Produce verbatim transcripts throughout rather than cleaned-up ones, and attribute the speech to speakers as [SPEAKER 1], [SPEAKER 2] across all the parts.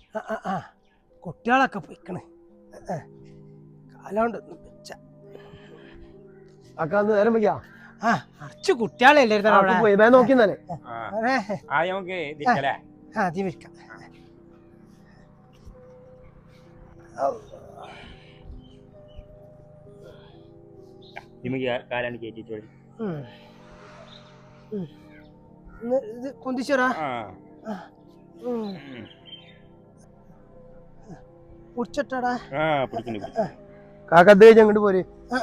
[SPEAKER 1] കുട്ടികളൊക്കെ പൊയ്ക്കണേ കാലോണ്ടൊന്നും വെച്ച
[SPEAKER 2] അക്കാന്ന് നേരം വയ്ക്കാ
[SPEAKER 1] ആ അറച്ചു കുട്ടികളെ
[SPEAKER 2] നോക്കിന്നല്ലേ
[SPEAKER 1] ആദ്യം വിൽക്കാം കുന്തിച്ചോറാ പിടിച്ചിട്ടാടാ
[SPEAKER 2] കാക്കത് അങ്ങോട്ട് പോര്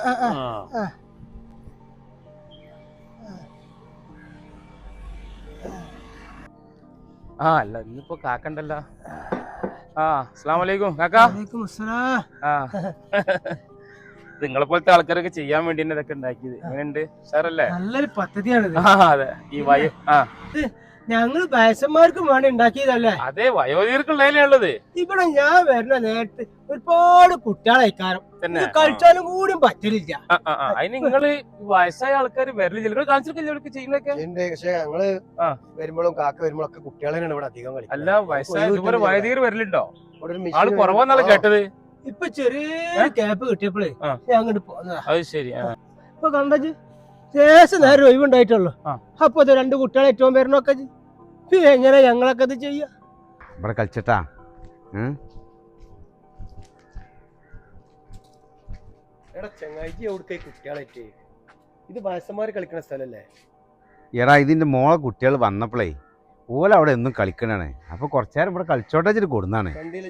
[SPEAKER 3] ആ അല്ല ഇന്നിപ്പോ കാക്കണ്ടല്ലോ. ആ അസ്സലാമു അലൈക്കും കാക്ക. ആ നിങ്ങളെ പോലത്തെ ആൾക്കാരൊക്കെ ചെയ്യാൻ വേണ്ടി ഇതൊക്കെ ഉണ്ടാക്കിയത് എങ്ങനെയുണ്ട് സാറല്ലേ?
[SPEAKER 1] നല്ലൊരു പദ്ധതിയാണ്.
[SPEAKER 3] അതെ ഈ വയോ ആ
[SPEAKER 1] ഞങ്ങള് വയസ്സന്മാർക്കും വേണ്ടി ഉണ്ടാക്കിയതല്ലേ?
[SPEAKER 3] അതെ വയോധികർക്കുള്ളതല്ലേ ഉള്ളത്.
[SPEAKER 1] ഇവിടെ ഞാൻ വരുന്ന നേരത്തെ ഒരുപാട് കുട്ടികളെക്കാരം കളിച്ചാലും കൂടിയും പറ്റലില്ല.
[SPEAKER 3] അതിന് നിങ്ങള് വയസ്സായ ആൾക്കാർ വരലില്ല കാണിച്ചിട്ട് ചെയ്യുന്നൊക്കെ.
[SPEAKER 2] പക്ഷെ ഞങ്ങള് വരുമ്പോഴും കാക്ക വരുമ്പോഴൊക്കെ കുട്ടികളെയാണ് ഇവിടെ അധികം കളി.
[SPEAKER 3] അല്ല വയസ്സായ ഇതുപോലെ വയോധികർ വരലുണ്ടോ? ആള് കുറവാന്നാണ് കേട്ടത്.
[SPEAKER 1] ഇപ്പൊ ചെറിയ ക്യാപ്പ് കിട്ടിയപ്പോഴേ ഞാൻ അങ്ങോട്ട് പോന്നതാ.
[SPEAKER 3] അത് ശരി.
[SPEAKER 1] ഇപ്പൊ കണ്ടു ശേഷം നേരം ഒഴിവുണ്ടായിട്ടുള്ളു. അപ്പൊ ഇത് രണ്ട് കുട്ടികളെ ഏറ്റവും പേരണൊക്കെ എങ്ങനെ ഞങ്ങളൊക്കെ ഇത് ചെയ്യാ?
[SPEAKER 4] ഇവിടെ കളിച്ചിട്ടാ
[SPEAKER 2] എടാ ചങ്ങായി എവിടേക്ക് കുട്ടികളായിട്ട് ഇത് വയസ്സന്മാര് കളിക്കണ സ്ഥലല്ലേ?
[SPEAKER 4] എടാ ഇതിന്റെ മോളെ കുട്ടികൾ വന്നപ്പോഴേ ഓല അവിടെ എന്നും കളിക്കണാണ്. അപ്പൊ കുറച്ചേരം ഇവിടെ കളിച്ചോട്ടെ വെച്ചിട്ട് കൊടുന്നാണ്.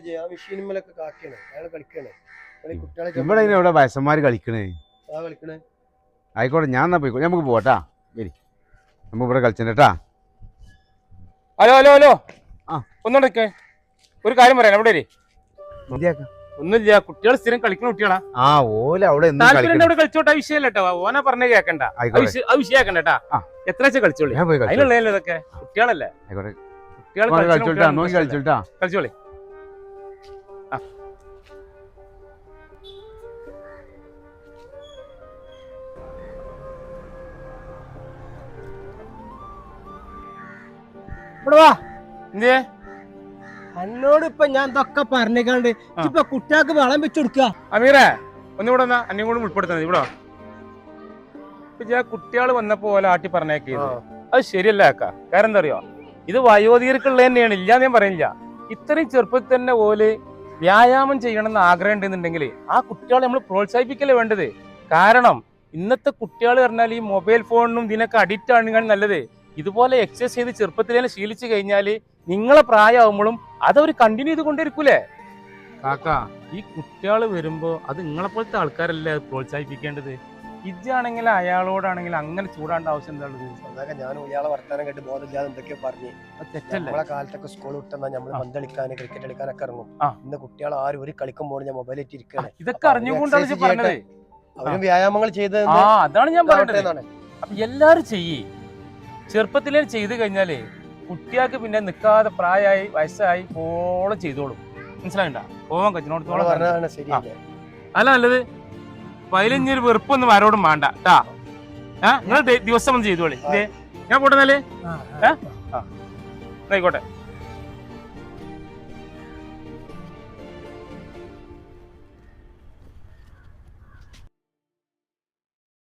[SPEAKER 4] ഇവിടെ ഇവിടെ വയസ്സന്മാര് കളിക്കണേ. ആയിക്കോട്ടെ ഞാൻ എന്നാ പോയിക്കോ. നമുക്ക് പോട്ടാ. വരി നമുക്ക് ഇവിടെ കളിച്ചേട്ടാ.
[SPEAKER 3] ഹലോ ഹലോ ഹലോ ആ ഒന്നുകൊണ്ടൊക്കെ ഒരു കാര്യം പറയാം. അവിടെ ഒന്നുമില്ല, കുട്ടികൾ സ്ഥിരം കളിക്കുന്ന കുട്ടികളാ.
[SPEAKER 4] ആ ഓല അവിടെ
[SPEAKER 3] അവിടെ കളിച്ചോട്ടെ. വിഷയമല്ല കേട്ടോ, ഓനെ പറഞ്ഞ കേക്കണ്ട. ആ വിഷയാക്കണ്ട കേട്ടാ. എത്ര വെച്ചാൽ കളിച്ചോളി. അതിനുള്ളതല്ലേ ഇതൊക്കെ. കുട്ടികളല്ലേ കുട്ടികൾ
[SPEAKER 4] കളിച്ചോട്ടാ
[SPEAKER 3] കളിച്ചോളി.
[SPEAKER 1] എന്നോട് ഇപ്പൊ ഞാൻ ഇതൊക്കെ പറഞ്ഞേക്കാണ്ട് ഇപ്പൊ കുട്ടികൾക്ക് വളം വെച്ചു കൊടുക്കുക.
[SPEAKER 3] അമീറേ ഒന്നുകൂടെ എന്നാ അന്യം കൂടെ ഉൾപ്പെടുത്തുന്നത് ഇവിടെ. കുട്ടികൾ വന്നപ്പോ പോലെ ആട്ടി പറഞ്ഞേക്കിയത് അത് ശരിയല്ല ആക്ക. കാരണം എന്താ അറിയോ, ഇത് വയോധികർക്കുള്ള തന്നെയാണ്. ഇല്ലാന്ന് ഞാൻ പറയുന്നില്ല. ഇത്രയും ചെറുപ്പത്തിൽ തന്നെ ഓല് വ്യായാമം ചെയ്യണമെന്ന് ആഗ്രഹം ഉണ്ടെന്നുണ്ടെങ്കിൽ ആ കുട്ടികളെ നമ്മൾ പ്രോത്സാഹിപ്പിക്കല്ലേ വേണ്ടത്. കാരണം ഇന്നത്തെ കുട്ടികൾ പറഞ്ഞാൽ ഈ മൊബൈൽ ഫോണിനും ഇതിനൊക്കെ അഡിക്റ്റ് ആണ് നല്ലത്. ഇതുപോലെ എക്സസൈസ് ചെയ്ത് ചെറുപ്പത്തിൽ തന്നെ ശീലിച്ചു കഴിഞ്ഞാൽ നിങ്ങളെ പ്രായമാകുമ്പോഴും അതവർ കണ്ടിന്യൂ ചെയ്ത് കൊണ്ടിരിക്കൂലേ കാക്ക. ഈ കുട്ടികൾ വരുമ്പോ അത് നിങ്ങളെ പോലത്തെ ആൾക്കാരല്ലേ അത് പ്രോത്സാഹിപ്പിക്കേണ്ടത്. ഇജാണെങ്കിൽ അയാളോടാണെങ്കിൽ അങ്ങനെ ചൂടാണ്ട ആവശ്യം എന്താ ഉള്ളത്?
[SPEAKER 2] ഞാൻ ഇയാളെ വർത്താനം കേട്ട് ബോധമില്ലാതെ എന്തൊക്കെയോ പറഞ്ഞു. നമ്മളെ കാലത്തൊക്കെ സ്കൂൾ വിട്ടെന്നാ നമ്മള് പന്ത് കളിക്കാൻ ക്രിക്കറ്റ് കളിക്കാനൊക്കെ ഇറങ്ങും. ഇന്ന് കുട്ടികൾ ആരും ഒരു കളിക്കുമ്പോൾ ഞാൻ മൊബൈലിൽ ഇരിക്കുകയാണ്.
[SPEAKER 3] ഇതൊക്കെ അറിഞ്ഞുകൊണ്ടാണ് പറഞ്ഞത്.
[SPEAKER 2] അവരും വ്യായാമങ്ങൾ ചെയ്ത്
[SPEAKER 3] അതാണ് ഞാൻ പറയുന്നത്. അപ്പൊ എല്ലാരും ചെയ്യേ ചെറുപ്പത്തിലേ ചെയ്ത് കഴിഞ്ഞാലേ കുട്ടിയാൾക്ക് പിന്നെ നിൽക്കാതെ പ്രായമായി വയസ്സായി ഓളം ചെയ്തോളും. മനസ്സിലാകണ്ട പോവാൻ കച്ചിനോടത്തോളം അല്ല നല്ലത്. പതിനഞ്ചൊരു വെറുപ്പൊന്നും ആരോടും വേണ്ട ട്ടാ. ഏഹ് നിങ്ങൾ ദിവസം ഒന്ന് ചെയ്തോളി. ഞാൻ പോട്ടെന്നാലേ ഏഹ് ആയിക്കോട്ടെ.